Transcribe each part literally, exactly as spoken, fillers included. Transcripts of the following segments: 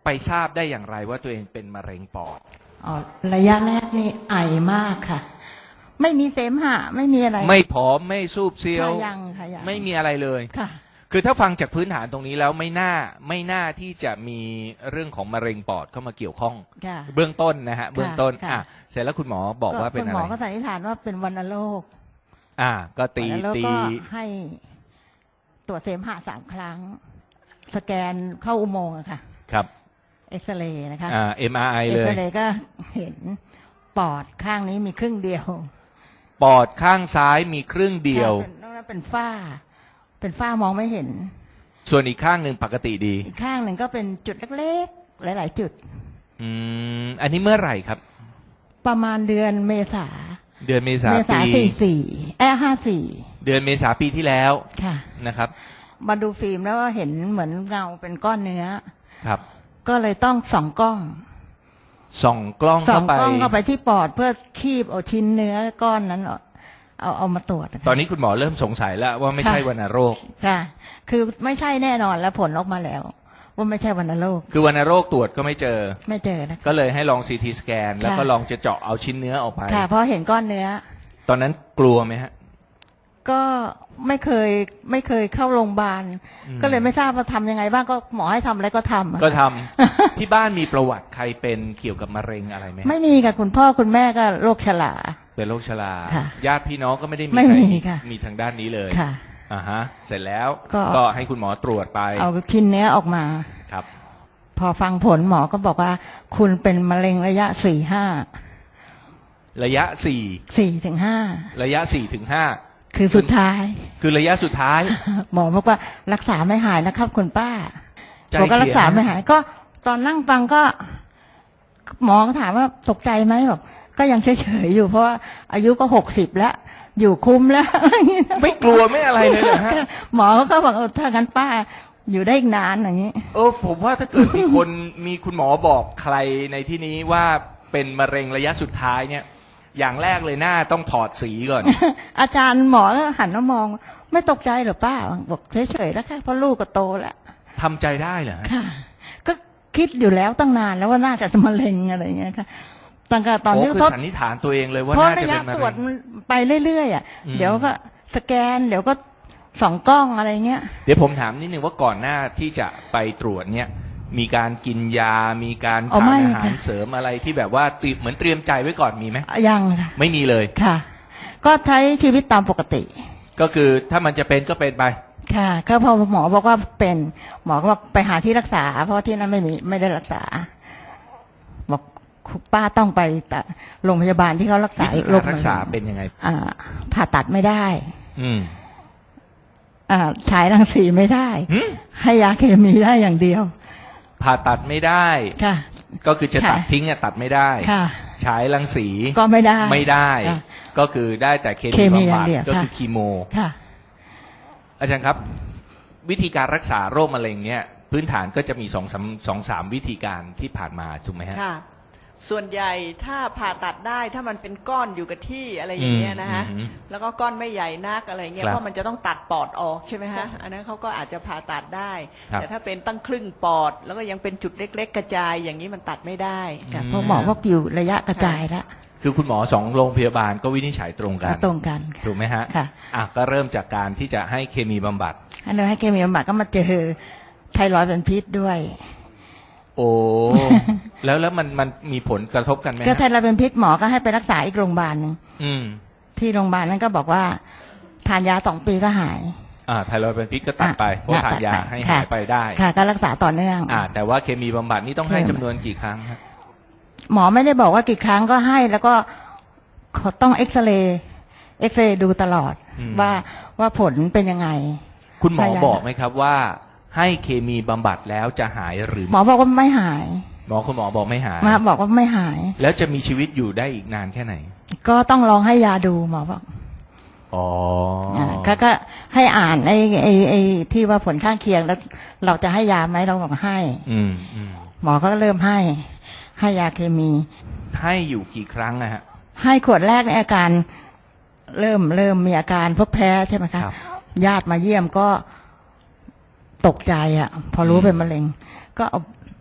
ไปทราบได้อย่างไรว่าตัวเองเป็นมะเร็งปอดอ๋อระยะแรกนี่ไอมากค่ะไม่มีเสมหะไม่มีอะไรไม่ผอมไม่ซูบเซียวยังค่ะยังไม่มีอะไรเลยค่ะคือถ้าฟังจากพื้นฐานตรงนี้แล้วไม่น่าไม่น่าที่จะมีเรื่องของมะเร็งปอดเข้ามาเกี่ยวข้องเบื้องต้นนะฮะเบื้องต้นอ่ะเสร็จแล้วคุณหมอบอกว่าเป็นอะไรคุณหมอก็สันนิษฐานว่าเป็นวัณโรคอ่าก็ตีตีให้ตรวจเสมหะสามครั้งสแกนเข้าอุโมงค์อะค่ะครับเอ็กซเรย์นะคะอ่า เอ็ม อาร์ ไอ เลยเอ็กซเรย์ก็เห็นปอดข้างนี้มีครึ่งเดียวปอดข้างซ้ายมีครึ่งเดียวนอกนั้นเป็นฝ้าเป็นฝ้ามองไม่เห็นส่วนอีกข้างหนึ่งปกติดีอีกข้างหนึ่งก็เป็นจุดเล็กๆหลายๆจุดอืมอันนี้เมื่อไหร่ครับประมาณเดือนเมษาเดือนเมษาเมษาสี่สี่เอ้ห้าสี่เดือนเมษาปีที่แล้วค่ะนะครับมาดูฟิล์มแล้วก็เห็นเหมือนเงาเป็นก้อนเนื้อครับก็เลยต้องส่องกล้องส่องกล้องเข้าไปส่องกล้องเข้าไปที่ปอดเพื่อคีบเอาชิ้นเนื้อก้อนนั้นเอาเอามาตรวจตอนนี้คุณหมอเริ่มสงสัยแล้วว่าไม่ใช่วัณโรคค่ะคือไม่ใช่แน่นอนแล้วผลออกมาแล้วว่าไม่ใช่วัณโรคคือวัณโรคตรวจก็ไม่เจอไม่เจอนะก็เลยให้ลองซีทีสแกนแล้วก็ลองจะเจาะเอาชิ้นเนื้อออกไปค่ะเพราะเห็นก้อนเนื้อตอนนั้นกลัวไหมฮะก็ไม่เคยไม่เคยเข้าโรงพยาบาลก็เลยไม่ทราบว่าทำยังไงบ้างก็หมอให้ทำอะไรก็ทำก็ทำ ที่บ้านมีประวัติใครเป็นเกี่ยวกับมะเร็งอะไรไหมไม่มีค่ะคุณพ่อคุณแม่ก็โรคฉลาเป็นโรคชราญาติพี่น้องก็ไม่ได้มีใครมีทางด้านนี้เลยค่ะอ่าฮะเสร็จแล้วก็ให้คุณหมอตรวจไปเอาชิ้นเนื้อออกมาครับพอฟังผลหมอก็บอกว่าคุณเป็นมะเร็งระยะสี่ห้าระยะสี่สี่ถึงห้าระยะสี่ถึงห้าคือสุดท้ายคือระยะสุดท้ายหมอบอกว่ารักษาไม่หายนะครับคุณป้าบอกก็รักษาไม่หายก็ตอนนั่งฟังก็หมอก็ถามว่าตกใจไหมบอกก็ยังเฉยๆอยู่เพราะว่าอายุก็หกสิบแล้วอยู่คุ้มแล้วไม่กลัวไม่อะไรเลยเหรอฮะหมอก็บอกเออถ้างั้นป้าอยู่ได้อีกนานอย่างนี้เออผมว่าถ้าเกิดมีคนมีคุณหมอบอกใครในที่นี้ว่าเป็นมะเร็งระยะสุดท้ายเนี่ยอย่างแรกเลยหน้าต้องถอดสีก่อนอาจารย์หมอก็หันมามองไม่ตกใจหรอป้าบอกเฉยๆแล้วค่ะเพราะลูกก็โตแล้วทำใจได้เหรอค่ะก็คิดอยู่แล้วตั้งนานแล้วว่าน่าจะมะเร็งอะไรอย่างเงี้ยค่ะตั้งแต่ตอนที่ทดสันนิษฐานตัวเองเลยว่าน่าจะเป็นมะเร็งตรวจไปเรื่อยๆอ่ะเดี๋ยวก็สแกนเดี๋ยวก็ส่องกล้องอะไรเงี้ยเดี๋ยวผมถามนิดนึงว่าก่อนหน้าที่จะไปตรวจเนี่ยมีการกินยามีการทานอาหารเสริมอะไรที่แบบว่าเหมือนเตรียมใจไว้ก่อนมีไหมยังค่ะไม่มีเลยค่ะก็ใช้ชีวิตตามปกติก็คือถ้ามันจะเป็นก็เป็นไปค่ะก็พอหมอบอกว่าเป็นหมอก็บอกไปหาที่รักษาเพราะที่นั้นไม่มีไม่ได้รักษาบอกป้าต้องไปแต่โรงพยาบาลที่เขารักษาโรครักษาเป็นยังไงอ่าผ่าตัดไม่ได้อืมอ่าฉายรังสีไม่ได้ให้ยาเคมีได้อย่างเดียวผ่าตัดไม่ได้ค่ะก็คือจะตัดทิ้งเนี่ยตัดไม่ได้ค่ะฉายรังสีก็ไม่ได้ไม่ได้ก็คือได้แต่เคมีบำบัดก็คือคีโมค่ะอาจารย์ครับวิธีการรักษาโรคมะเร็งเนี่ยพื้นฐานก็จะมีสองสามสองสามวิธีการที่ผ่านมาถูกไหมฮะค่ะส่วนใหญ่ถ้าผ่าตัดได้ถ้ามันเป็นก้อนอยู่กับที่อะไรอย่างเงี้ยนะฮะแล้วก็ก้อนไม่ใหญ่นักอะไรเงี้ยเพราะมันจะต้องตัดปอดออกใช่ไหมฮะอันนั้นเขาก็อาจจะผ่าตัดได้แต่ถ้าเป็นตั้งครึ่งปอดแล้วก็ยังเป็นจุดเล็กๆกระจายอย่างนี้มันตัดไม่ได้เพราะหมอว่าอยู่ระยะกระจายแล้วคือคุณหมอสองโรงพยาบาลก็วินิจฉัยตรงกันตรงกันถูกไหมฮะค่ะอ่ะก็เริ่มจากการที่จะให้เคมีบำบัดอันนี้ให้เคมีบำบัดก็มาเจอไทรอยด์เป็นพิษด้วยโอ้แล้วแล้วมันมันมีผลกระทบกันไหมก็ไทรอยด์เป็นพิษหมอก็ให้ไปรักษาอีกโรงพยาบาลหนึ่งที่โรงพยาบาลนั้นก็บอกว่าทานยาสองปีก็หายอ่าไทรอยด์เป็นพิษก็ตัดไปเพราะทานยาให้หายไปได้ค่ะก็รักษาต่อเนื่องอ่าแต่ว่าเคมีบำบัดนี่ต้องให้จำนวนกี่ครั้งครับหมอไม่ได้บอกว่ากี่ครั้งก็ให้แล้วก็ต้องเอ็กซเรย์เอ็กซเรย์ดูตลอดว่าว่าผลเป็นยังไงคุณหมอบอกไหมครับว่าให้เคมีบำบัดแล้วจะหายหรือหมอบอกว่าไม่หายหมอคุณหมอบอกไม่หายมาบอกว่าไม่หายแล้วจะมีชีวิตอยู่ได้อีกนานแค่ไหนก็ต้องลองให้ยาดูหมอบอกอ๋อก็ก็ให้อ่านไอ้ไอ้ไอ้ที่ว่าผลข้างเคียงแล้วเราจะให้ยาไหมเราบอกให้อืมอืมหมอก็เริ่มให้ให้ยาเคมีให้อยู่กี่ครั้งนะฮะให้ขวดแรกในอาการเริ่มเริ่มมีอาการพวกแพ้ใช่ไหมคะญาติมาเยี่ยมก็ตกใจอ่ะพอรู้เป็นมะเร็งก็เอา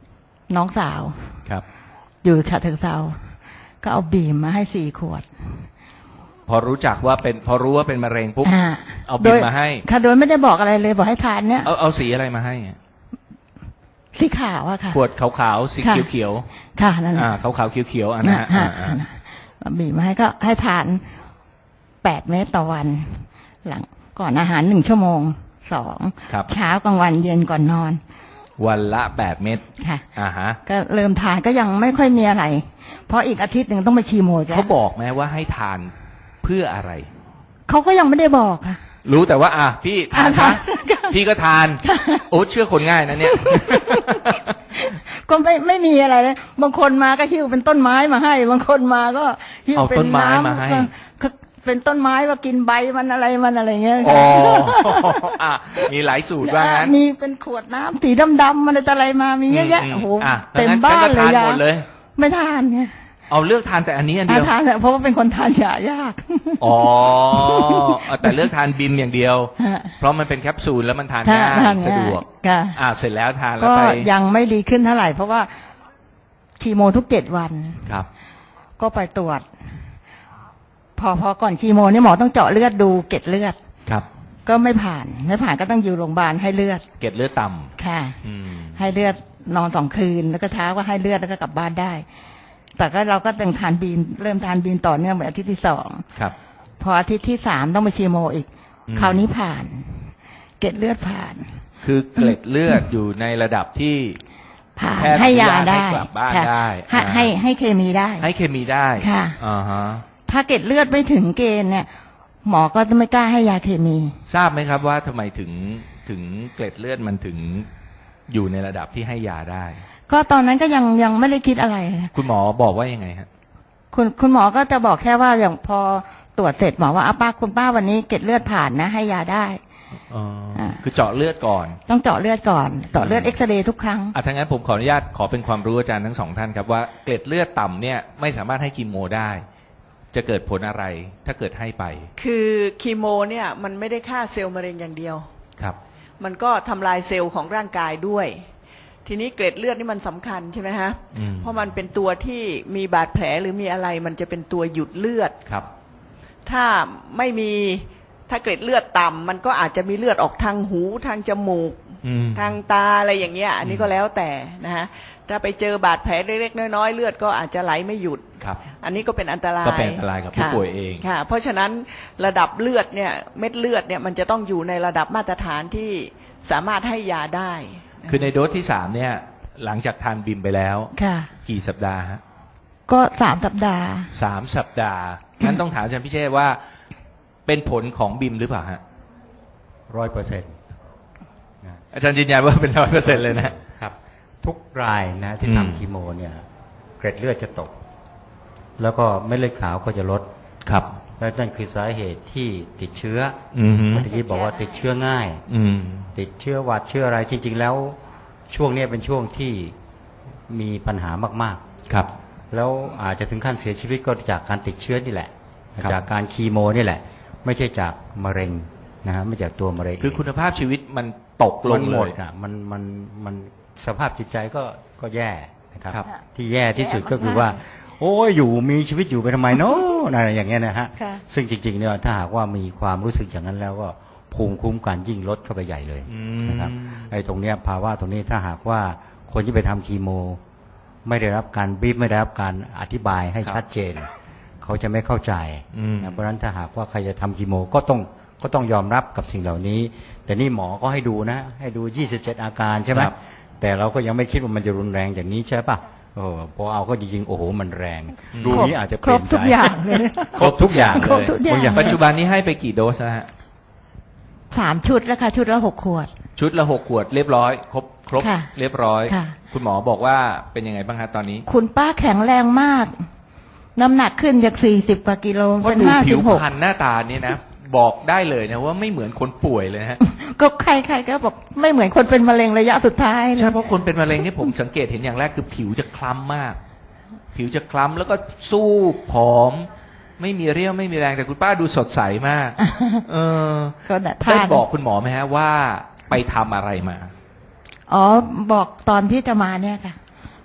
น้องสาวครับอยู่ฉะเชิงเทราก็เอาบีมมาให้สี่ขวดพอรู้จักว่าเป็นพอรู้ว่าเป็นมะเร็งปุ๊บอ่าเอาบิมมาให้ค่ะโดยไม่ได้บอกอะไรเลยบอกให้ทานเนี่ยเอาเอาสีอะไรมาให้อะสีขาวอะค่ะขวดขาวๆสีค่ะเขียวค่ะนั่นแหๆละอ่าขาวๆเขียวๆอันนั้นฮะอ่าอ่าอ่าเอาบีมมาให้ก็ให้ทานแปดเม็ดต่อวัน หลังก่อนอาหารหนึ่งชั่วโมงสองครับเช้ากลางวันเย็นก่อนนอนวันละแปดเม็ดค่ะอ่าฮะก็เริ่มทานก็ยังไม่ค่อยมีอะไร เพราะอีกอาทิตย์หนึ่งต้องไปคีโมจ้ะเขาบอกไหมว่าให้ทานเพื่ออะไรเขาก็ยังไม่ได้บอกค่ะรู้แต่ว่าอ่ะพี่ทานทาซะนพี่ก็ทาน โอ้เชื่อคนง่ายนะเนี่ยก็ไม่ไม่มีอะไรเลยบางคนมาก็หิ้วเป็นต้นไม้มาให้ บางคนมาก็หิ้วเอาเป็นต้นไม้น้ำมาให้ก็เป็นต้นไม้ว่ากินใบมันอะไรมันอะไรเงี้ยอ๋ออ่ะมีหลายสูตรว่างั้นมีเป็นขวดน้ำสีดำๆมันอะไรมามีเยอะแยะมโอ้โหอ่ะเต็มงั้บ้านเลยงั้ก็ทยาหมดเลยไม่ทานไงเอาเลือกทานแต่อันนี้อันเดียวทานเถอะเพราะว่าเป็นคนทานยายากอ๋อเอาแต่เลือกทานบิมอย่างเดียวฮะเพราะมันเป็นแคปซูลแล้วมันทานทานง่ายทานสะดวกค่ะอ่าเสร็จแล้วทานแล้วก็ไปยังไม่ดีขึ้นเท่าไหร่ เพราะว่าคีโมทุกเจ็ดวันครับก็ไปตรวจ พอพอก่อนคีโมเนี่ยหมอต้องเจาะเลือดดูเกล็ดเลือดครับก็ไม่ผ่าน ไม่ผ่านก็ต้องอยู่โรงพยาบาลให้เลือดเกล็ดเลือดต่ำค่ะอืมให้เลือดนอนสองคืน แล้วก็เช้าก็ให้เลือดแล้วก็กลับบ้านได้ แต่ก็เราก็ต้องทานบีมเริ่มทานบีมต่อเนื่องไปอาทิตย์ที่สองครับพออาทิตย์ที่สามต้องไปคีโมอีกอืมคราวนี้ผ่าน เกล็ดเลือดผ่านคือเกล็ดเลือดอยู่ในระดับที่ผ่านแพทย์ให้ยาอนุญาตได้ให้กลับบ้านค่ะได้ให้อ่าให้ให้เคมีได้ให้เคมีได้ค่ะอ่าฮะถ้าเกล็ดเลือดไม่ถึงเกณฑ์เนี่ย หมอก็จะไม่กล้าให้ยาเคมีทราบไหมครับว่าทำไมถึงถึงเกล็ดเลือดมันถึงอยู่ในระดับที่ให้ยาได้ก็ตอนนั้นก็ยังยังไม่ได้คิดอะไรคุณหมอบอกว่ายังไงฮะคุณคุณหมอก็จะบอกแค่ว่าอย่างพอตรวจเสร็จหมอว่าอ้าป้าคุณป้าวันนี้เกล็ดเลือดผ่านนะ ให้ยาได้อ๋ออา คือเจาะเลือดก่อนต้องเจาะเลือดก่อนเจาะเลือดเอ็กซเรย์ทุกครั้งอ่ะทั้างนั้นผมขออนุญาตขอเป็นความรู้อาจารย์ทั้งสองท่านครับว่าเกล็ดเลือดต่ำเนี่ยไม่สามารถให้คีโมได้ จะเกิดผลอะไรถ้าเกิดให้ไปคือคีโมเนี่ยมันไม่ได้ฆ่าเซลล์มะเร็งอย่างเดียวครับมันก็ทำลายเซลล์ของร่างกายด้วย ทีนี้เกล็ดเลือดนี่มันสำคัญใช่ไหมฮะอืมเพราะมันเป็นตัวที่มีบาดแผลหรือมีอะไรมันจะเป็นตัวหยุดเลือดครับถ้าไม่มีถ้าเกล็ดเลือดต่ำมันก็อาจจะมีเลือดออกทางหูทางจมูกอืมทางตาอะไรอย่างเงี้ย อันนี้ก็แล้วแต่นะฮะถ้าไปเจอบาดแผลเล็กๆน้อยๆเลือดก็อาจจะไหลไม่หยุดครับอันนี้ก็เป็นอันตรายก็เป็นอันตรายกับผู้ค่ะป่วยเองค่ะ เพราะฉะนั้นระดับเลือดเนี่ยเม็ดเลือดเนี่ยมันจะต้องอยู่ในระดับมาตรฐานที่สามารถให้ยาได้คือในโดสที่สามเนี่ย หลังจากทานบิมไปแล้วค่ะกี่สัปดาห์ฮะก็สามสัปดาห์สามสัปดาห์งั้นต้องถามอาจารย์พิเชษว่า เป็นผลของบิมหรือเปล่าฮะร้อยเปอร์เซ็นต์อาจารย์ยืนยันว่าเป็นร้อยเปอร์เซ็นต์เลยนะครับ ทุกรายนะที่อืมทำคีโมเนี่ยเกร็ดเลือดจะตก แล้วก็เม็ดเลือดขาวก็จะลดครับและนั่นคือสาเหตุที่ติดเชื้ออืมฮึเมื่อกี้บอกว่าติดเชื้อง่ายอืมติดเชื้อหวัดเชื้ออะไรจริง ๆ แล้วช่วงเนี้ยเป็นช่วงที่มีปัญหามากครับๆ แล้วอาจจะถึงขั้นเสียชีวิตก็จากการติดเชื้อนี่แหละครับจากการคีโมนี่แหละ ไม่ใช่จากมะเร็งนะฮะไม่จากตัวมะเร็งคือคุณภาพชีวิตมันตกลมังนหเลมดยอ่ะมันมันมันสภาพจิตใจก็ก็แย่นะครับครับที่แย่ที่สุดแย่มากๆก็คือว่า โอ้ยอยู่มีชีวิตอยู่ไปทำไมเนาะอะไรอย่างเงี้ยนะฮะค่ะซึ่งจริงๆเนี่ยถ้าหากว่ามีความรู้สึกอย่างนั้นแล้วก็ภูมิคุ้มกันยิ่งลดเข้าไปใหญ่เลยอืนะครับมไอ้ตรงเนี้ยภาวะตรงนี้ถ้าหากว่าคนที่ไปทำคีโม ไม่ได้รับการบีบไม่ได้รับการอธิบายให้ชัดเจน เขาจะไม่เข้าใจอืมนะเพราะฉะนั้นถ้าหากว่าใครจะทำคีโมก็ต้องก็ต้องยอมรับกับสิ่งเหล่านี้ แต่นี่หมอก็ให้ดูนะ ให้ดูยี่สิบเจ็ดอาการใช่ไหมครับแต่เราก็ยังไม่คิดว่ามันจะรุนแรงอย่างนี้ใช่ปะโอ้โหพอเอาก็จริงๆโอ้โหมันแรง ดูนี้อาจจะเปครลี่บยนทุกใจอย่างเลยครบทุกอย่างครบเลยทุกอย่างบางอย่างปัจจุบันนี้ให้ไปกี่โดสนะฮะสามชุดแล้วค่ะชุดละหกขวดชุดละหกขวดเรียบร้อย ครบครบค่ะเรียบร้อยค่ะคุณหมอบอกว่าเป็นยังไงบ้างฮะตอนนี้คุณป้าแข็งแรงมาก น้ำหนักขึ้นจากสี่สิบกว่ากิโลเพราะเป็นดูห้าผิสิวบหกพรรณหน้าตานี่นะ บอกได้เลยนะว่าไม่เหมือนคนป่วยเลยนะฮะก็ใครๆก็บอกไม่เหมือนคนเป็นมะเร็งระยะสุดท้ายเลยใช่เพราะคนเป็นมะเร็งนี่ผมสังเกตเห็นอย่างแรกคือผิวจะคล้ำมาก ผิวจะคล้ำแล้วก็สู้ผอม ไม่มีเรี่ยวไม่มีแรงแต่คุณป้าดูสดใสมาก เออก็น่ะได้ทานบอกคุณหมอไหมฮะว่าไปทำอะไรมาอ๋อบอกตอนที่จะมาเนี่ยค่ะ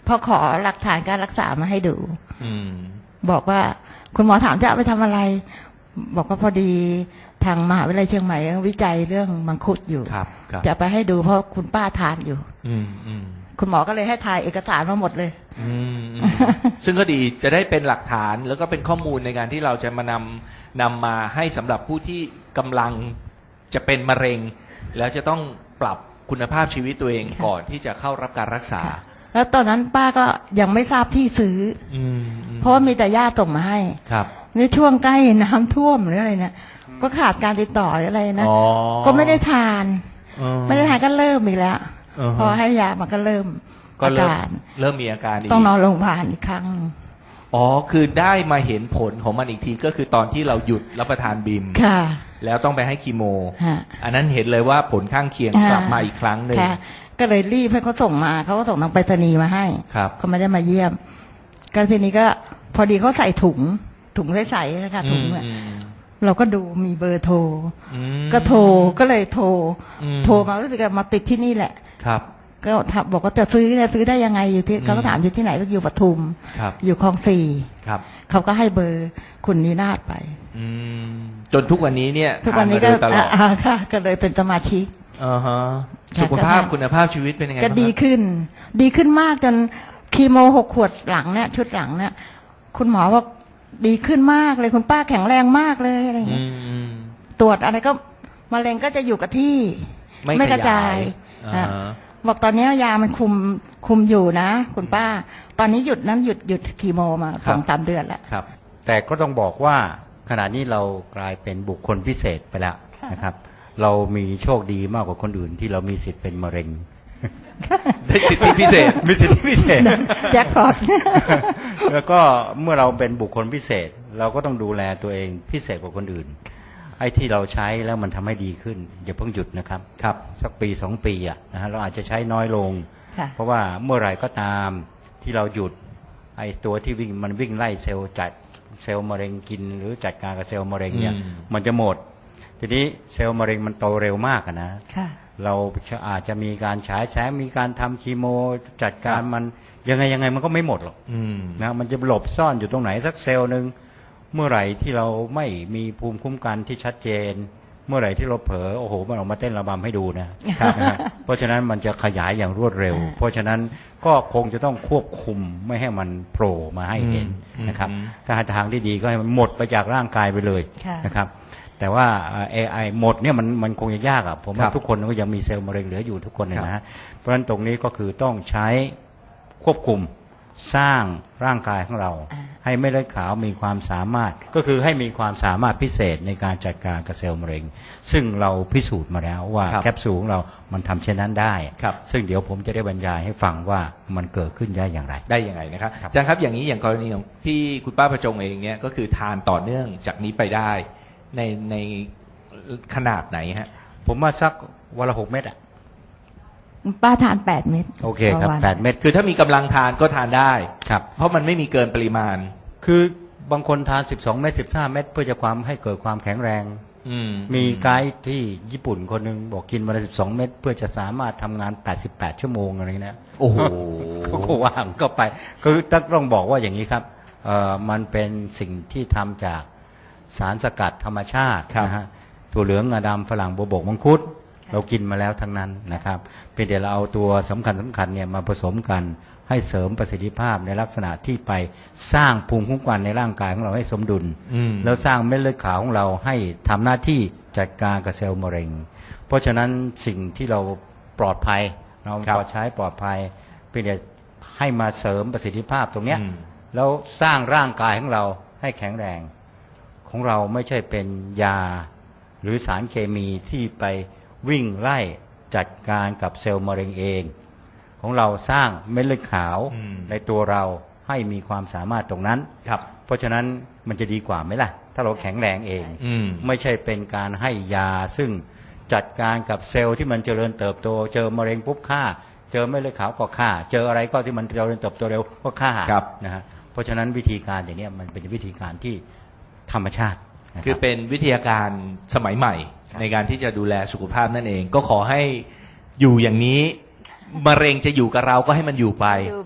พอขอหลักฐานการรักษามาให้ดูอืมบอกว่าคุณหมอถามจะเอาไปทำอะไร บอกว่าพอดีทางมหาวิทยาลัยเชียงใหม่วิจัยเรื่องมังคุดอยู่ครับครับจะไปให้ดูเพราะคุณป้าทานอยู่อืมอืมคุณหมอก็เลยให้ถ่ายเอกสารมาหมดเลยอืมอืมซึ่งก็ดีจะได้เป็นหลักฐานแล้วก็เป็นข้อมูลในการที่เราจะมานำนำมาให้สำหรับผู้ที่กำลังจะเป็นมะเร็ง แล้วจะต้องปรับคุณภาพชีวิตตัวเองค่ะก่อนที่จะเข้ารับการรักษาค่ะแล้วตอนนั้นป้าก็ยังไม่ทราบที่ซื้ออืมอืมเพราะว่ามีแต่ญาติส่งมาให้ครับในช่วงใกล้น้ำท่วมหรืออะไรเนี่ยก็ขาดการติดต่อหรืออะไรนะอ๋อก็ไม่ได้ทานอืไม่ได้ทานก็เริ่มอีกแล้วอือฮะพอให้ยามันก็เริ่มก็อาเริ่มการเริ่มมีอาการอีกต้องนอนโรงพยาบาลอีกครั้งอ๋อคือได้มาเห็นผลของมันอีกทีก็คือตอนที่เราหยุดรับประทานบิมค่ะแล้วต้องไปให้คีโมฮะอันนั้นเห็นเลยว่าผลข้างเคียงอ่ากกลับมาอีกครั้งหนึ่งค่ะ ก็เลยรีบให้เขาส่งมาเขาก็ส่งทางไปรษณีย์มาให้ครับเขาไม่ได้มาเยี่ยมก็ทีนี้ก็พอดีเขาใส่ถุงถุงใสๆนะคะถุงเนี่ยอืมเราก็ดูมีเบอร์โทรอืมก็โทรก็เลยโทรอืมโทรมารู้สึกว่ามาติดที่นี่แหละครับก็ถามบอกว่าจะซื้อจะซื้อได้ยังไงอยู่ที่อืมเขาก็ถามอยู่ที่ไหนก็อยู่ปทุมครับอยู่คลองสี่ครับเขาก็ให้เบอร์คุณนีนาฏไปอืมจนทุกวันนี้เนี่ยทุกวันนี้ทาก็มาโดยตลอดอ่าค่ะ ก็เลยเป็นสมาชิกอ่าฮะค่ะสุขภาพก็ทานคุณภาพชีวิตเป็นยังไงก็บ้างดีครับขึ้น ดีขึ้นมากจนคีโมหกขวดหลังเนี่ยชุดหลังเนี่ย คุณหมอว่าดีขึ้นมากเลยคุณป้าแข็งแรงมากเลยอะไรอย่างอืเงี้ยมอืมตรวจอะไรก็มะเร็งก็จะอยู่กับที่ไม่กระจายอ่าอ่ะบอกตอนนี้ยามันคุมคุมอยู่นะ คุณป้า ตอนนี้หยุดนั้นหยุดหยุดคีโมมาสองสามเดือนแล้วครับแต่ก็ต้องบอกว่าขณะนี้เรากลายเป็นบุคคลพิเศษไปแล้วนะครับ เรามีโชคดีมากกว่าคนอื่นที่เรามีสิทธิ์เป็นมะเร็งได้สิทธิพิเศษมีสิทธิพิเศษแจ็คพอตแล้วก็เมื่อเราเป็นบุคคลพิเศษ เราก็ต้องดูแลตัวเองพิเศษกว่าคนอื่นไอ้ที่เราใช้แล้วมันทำให้ดีขึ้นอย่าเพิ่งหยุดนะครับครับสักปีสองปีอ่ะนะฮะเราอาจจะใช้น้อยลงค่ะเพราะว่าเมื่อไหร่ก็ตามที่เราหยุดไอ้ตัวที่วิ่งมันวิ่งไล่เซลล์จัดเซลล์มะเร็งกิน หรือจัดการกับเซลล์มะเร็งเนี่ยอืมมันจะหมด ทีนี้เซลล์มะเร็งมันโตเร็วมากอะนะค่ะเราอาจจะมีการฉายแสงมีการทำคีโมจัดการมันยังไงยังไงมันก็ไม่หมดหรอกอืมนะมันจะหลบซ่อนอยู่ตรงไหนสักเซลล์หนึ่งเมื่อไหร่ที่เราไม่มีภูมิคุ้มกันที่ชัดเจน เมื่อไหร่ที่เราเผลอโอ้โหมันออกมาเต้นระบำให้ดูนะครับนะฮะเพราะฉะนั้นมันจะขยายอย่างรวดเร็ว เพราะฉะนั้นก็คงจะต้องควบคุมไม่ให้มันโผล่มาให้เห็นอืมนะครับอืมถ้าทางที่ดีก็ให้มันหมดไปจากร่างกายไปเลยค่ะนะครับ แต่ว่าเอไอหมดเนี่ยมันมันคงจะยากอ่ะผมคว่ารับทุกคนก็ยังมีเซลล์มะเร็งเหลืออยู่ทุกคนเนี่ยครับนะฮะเพราะฉะนั้นตรงนี้ก็คือต้องใช้ควบคุมสร้างร่างกายของเราอ่าให้เม็ดเลือดขาวมีความสามารถก็คือให้มีความสามารถพิเศษในการจัดการกับเซลล์มะเร็ง ซึ่งเราพิสูจน์มาแล้วว่าครับแคปซูลของเรามันทำเช่นนั้นได้ครับซึ่งเดี๋ยวผมจะได้บรรยายให้ฟังว่ามันเกิดขึ้นได้อย่างไรได้ยังไงนะครับครับอาจารย์ครับอย่างนี้อย่างกรณีของพี่คุณป้าประจงเองเนี่ยก็คือทานต่อเนื่องจากนี้ไปได้ในในขนาดไหนฮะผมว่าสักวันละหกเม็ดอ่ะป้าทานแปดเม็ดโอเคครับต่อวันแปดเม็ดคือถ้ามีกำลังทานก็ทานได้ครับเพราะมันไม่มีเกินปริมาณคือบางคนทานสิบสองเม็ดสิบห้าเม็ดเพื่อจะความให้เกิดความแข็งแรงอืมมีไกด์ที่ญี่ปุ่นคนหนึ่งบอกกินวันละสิบสองเม็ดเพื่อจะสามารถทำงานแปดสิบแปดชั่วโมงอะไรเงี้ยโอ้โหเขาก็ว่างก็ไปคือต้องบอกว่าอย่างนี้ครับเอ่อมันเป็นสิ่งที่ทำจากสารสกัดธรรมชาติครับนะฮะถั่วเหลืองงาดำฝรั่งบัวบกมังคุดเรากินมาแล้วทั้งนั้นนะครับเพียงแต่เราเอาตัวสำคัญสำคัญเนี่ยมาผสมกันให้เสริมประสิทธิภาพในลักษณะที่ไปสร้างภูมิคุ้มกันในร่างกายของเราให้สมดุลอืมแล้วสร้างเม็ดเลือดขาวของเราให้ทำหน้าที่จัดการกับเซลล์มะเร็ง เพราะฉะนั้นสิ่งที่เราปลอดภัยเราครับปลอดใช้ปลอดภัยเพียงแต่ให้มาเสริมประสิทธิภาพตรงเนี้ยอืมแล้วสร้างร่างกายของเราให้แข็งแรง ของเราไม่ใช่เป็นยาหรือสารเคมีที่ไปวิ่งไล่จัดการกับเซลล์มะเร็งเอง ของเราสร้างเม็ดเลือดขาวอืมในตัวเราให้มีความสามารถตรงนั้นครับเพราะฉะนั้นมันจะดีกว่าไหมล่ะ ถ้าเราแข็งแรงเองอืมไม่ใช่เป็นการให้ยาซึ่งจัดการกับเซลล์ที่มันเจริญเติบโต เจอมะเร็งปุ๊บฆ่า เจอเม็ดเลือดขาวก็ฆ่า เจออะไรก็ที่มันเจริญเติบโตเร็วก็ฆ่าครับนะฮะเพราะฉะนั้นวิธีการอย่างเนี้ยมันเป็นวิธีการที่ธรรมชาตินะคือรับเป็นวิทยาการสมัยใหม่ครับในการที่จะดูแลสุขภาพนั่นเอง ก็ขอให้อยู่อย่างนี้ มะเร็งจะอยู่กับเราก็ให้มันอยู่ไป